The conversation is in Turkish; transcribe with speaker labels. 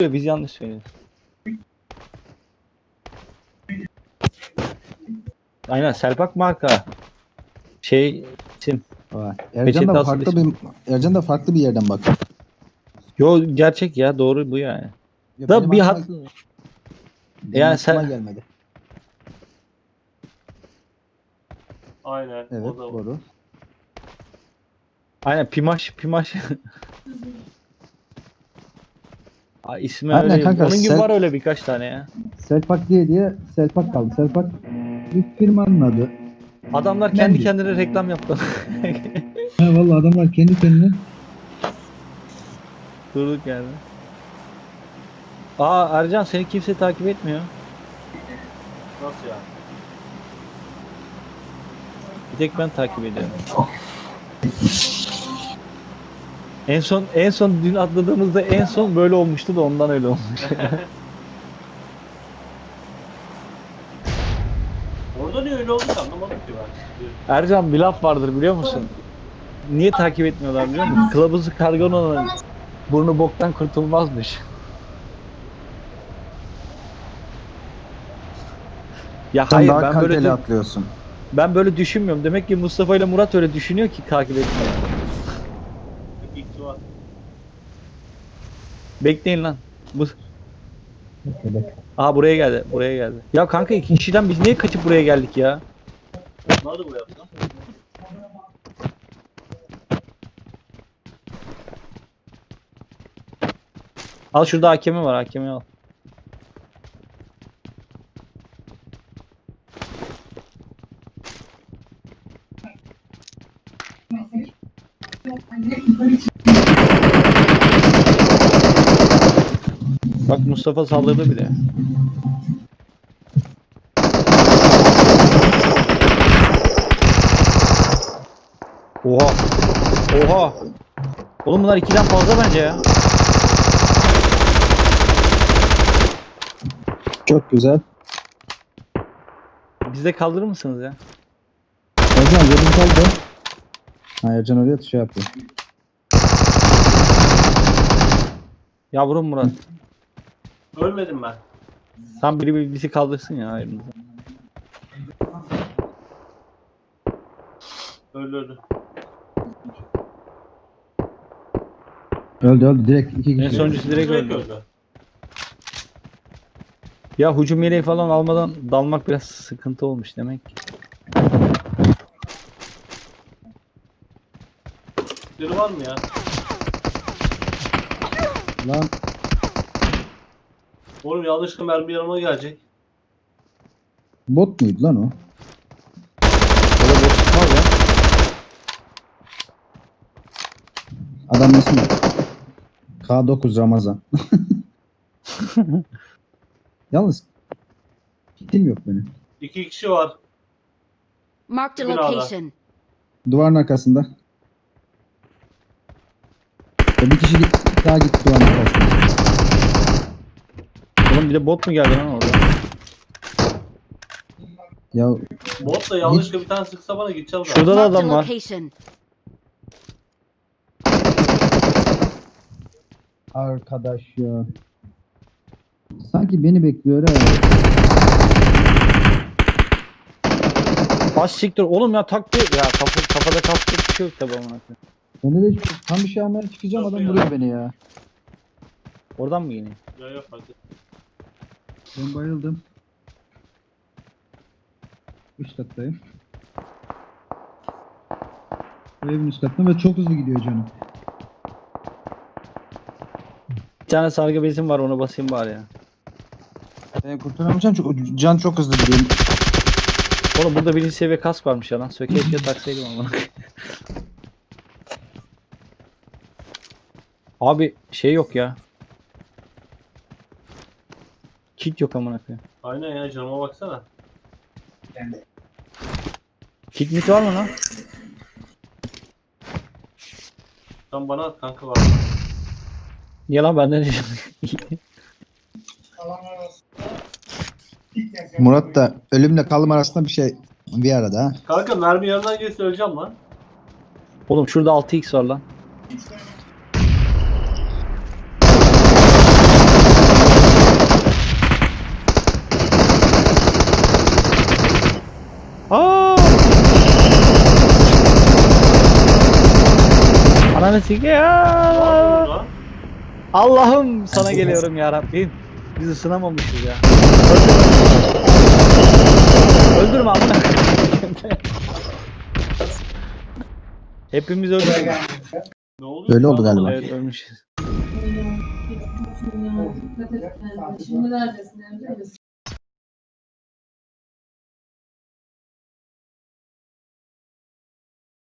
Speaker 1: Biz yanlış söylüyoruz. Aynen Selpak marka. İsim.
Speaker 2: Ercan da
Speaker 1: Peçete
Speaker 2: farklı
Speaker 1: asıl
Speaker 2: bir Ercan da farklı bir yerden bak.
Speaker 1: Yo gerçek ya doğru bu yani.
Speaker 2: Ya
Speaker 1: Da
Speaker 2: benim
Speaker 1: bir
Speaker 2: aklıma,
Speaker 1: hat
Speaker 2: benim
Speaker 1: yani
Speaker 2: aklıma
Speaker 1: sen
Speaker 2: gelmedi.
Speaker 3: Aynen.
Speaker 2: Evet,
Speaker 3: O da
Speaker 2: doğru.
Speaker 1: aynen Pimaş. İsmi
Speaker 2: Aynen
Speaker 1: öyle.
Speaker 2: kanka,
Speaker 1: Onun gibi var öyle birkaç tane ya.
Speaker 2: Selpak diye Selpak kaldı. Selpak bir firmanın adı.
Speaker 1: Adamlar kendi
Speaker 2: Mendil.
Speaker 1: kendine reklam yaptı.
Speaker 2: Ha vallahi adamlar kendi kendine.
Speaker 1: Durduk yani. Aa Ercan seni kimse takip etmiyor.
Speaker 3: nasıl ya?
Speaker 1: Bir tek ben takip ediyorum. En son dün atladığımızda en son böyle olmuştu da ondan öyle olmuş.
Speaker 3: Orada niye öyle oldu ki anlamadım ki ben.
Speaker 1: Ercan bir laf vardır biliyor musun? Niye takip etmiyorlar biliyor musun? Kılavuzu kargan olan burnu boktan kurtulmazmış. Ya
Speaker 2: Sen
Speaker 1: hayır
Speaker 2: daha
Speaker 1: ben
Speaker 2: kaliteli
Speaker 1: böyle
Speaker 2: atlıyorsun.
Speaker 1: ben böyle düşünmüyorum. Demek ki Mustafa ile Murat öyle düşünüyor ki takip etmiyor.
Speaker 3: İlk var.
Speaker 1: Bekleyin lan. Aha buraya geldi. Buraya geldi. Ya kanka iki kişiden biz niye kaçıp buraya geldik ya?
Speaker 3: Onlar da bu yaptı.
Speaker 1: Al şurada hakemi var. Hakemi al. Bak Mustafa saldırdı bile. Oha. Oha. Oğlum bunlar ikiden fazla bence ya.
Speaker 2: Çok güzel.
Speaker 1: Bizi de kaldırır mısınız ya?
Speaker 2: Ercan yerin kaldı. Ha Ercan oraya şey yapıyor.
Speaker 1: Yavrum Murat.
Speaker 3: Ölmedim ben.
Speaker 1: Tam biri bizi kaldırsın ya ayrımıza.
Speaker 3: Öldü.
Speaker 2: Öldü direkt iki
Speaker 1: En
Speaker 2: kişi.
Speaker 1: sonuncusu direkt öldü. Ya hücum yeleği falan almadan dalmak biraz sıkıntı olmuş demek ki.
Speaker 3: Biri var mı ya?
Speaker 2: Lan
Speaker 3: Oğlum yanlışlıkla mermi yanıma gelecek.
Speaker 2: bot muydu lan o?
Speaker 1: Öyle boş çıkmaz ya.
Speaker 2: Adam ismi K9 Ramazan. Yalnız kitim yok benim.
Speaker 3: 2 kişi var.
Speaker 4: Marked a
Speaker 3: Binada.
Speaker 4: location.
Speaker 2: Duvarın arkasında. Bir kişi daha gitti duvarın arkasında.
Speaker 1: Oğlum bir de bot mu geldi lan orada?
Speaker 2: Ya
Speaker 3: Bot da yanlışlıkla bir tane sıksa bana gideceğim zaten.
Speaker 1: Şurada da
Speaker 4: Marked a
Speaker 1: adam var.
Speaker 4: location.
Speaker 2: arkadaş ya. Sanki beni bekliyor ha.
Speaker 1: Baş siktir. Oğlum ya taktı. Ya kafada kalktı bir şey yok tabi ona.
Speaker 2: Ben de tam bir şey almaya çıkacağım, adam vuruyor beni ya.
Speaker 1: Oradan mı yine?
Speaker 3: Ya yok hadi.
Speaker 2: Ben bayıldım. Üst kattayım. Bu evin üst kattında ve çok hızlı gidiyor canım.
Speaker 1: Bir tane sargı bezim var ona basayım bari ya.
Speaker 2: Ben kurtulamayacağım çünkü can çok hızlı gidiyor.
Speaker 1: Oğlum burada birinci seviye kask varmış ya lan. Keşke taksaydım ama. Abi şey yok ya. Kit yok amına koyayım.
Speaker 3: Aynen ya canıma baksana.
Speaker 1: Kit mit var mı lan?
Speaker 3: Sen bana at kanka var.
Speaker 1: Niye lan benden ne?
Speaker 2: Murat da ölümle kalım arasında bir arada ha.
Speaker 3: Kanka mermi yanından geçse öleceğim lan.
Speaker 1: Oğlum şurada 6x var lan. Ananı
Speaker 3: Ne
Speaker 1: sikeyim.
Speaker 3: yapıyorsun lan?
Speaker 1: Allah'ım sana geliyorum ya Rabbim. Biz ısınamamışız ya. Öldürme amına. Hepimiz öldük.
Speaker 3: Ne oluyor?
Speaker 2: Öyle oldu galiba.
Speaker 1: Evet ölmüşüz.
Speaker 5: Dikkat et kendine. Şimdi neredesin? Evde misin?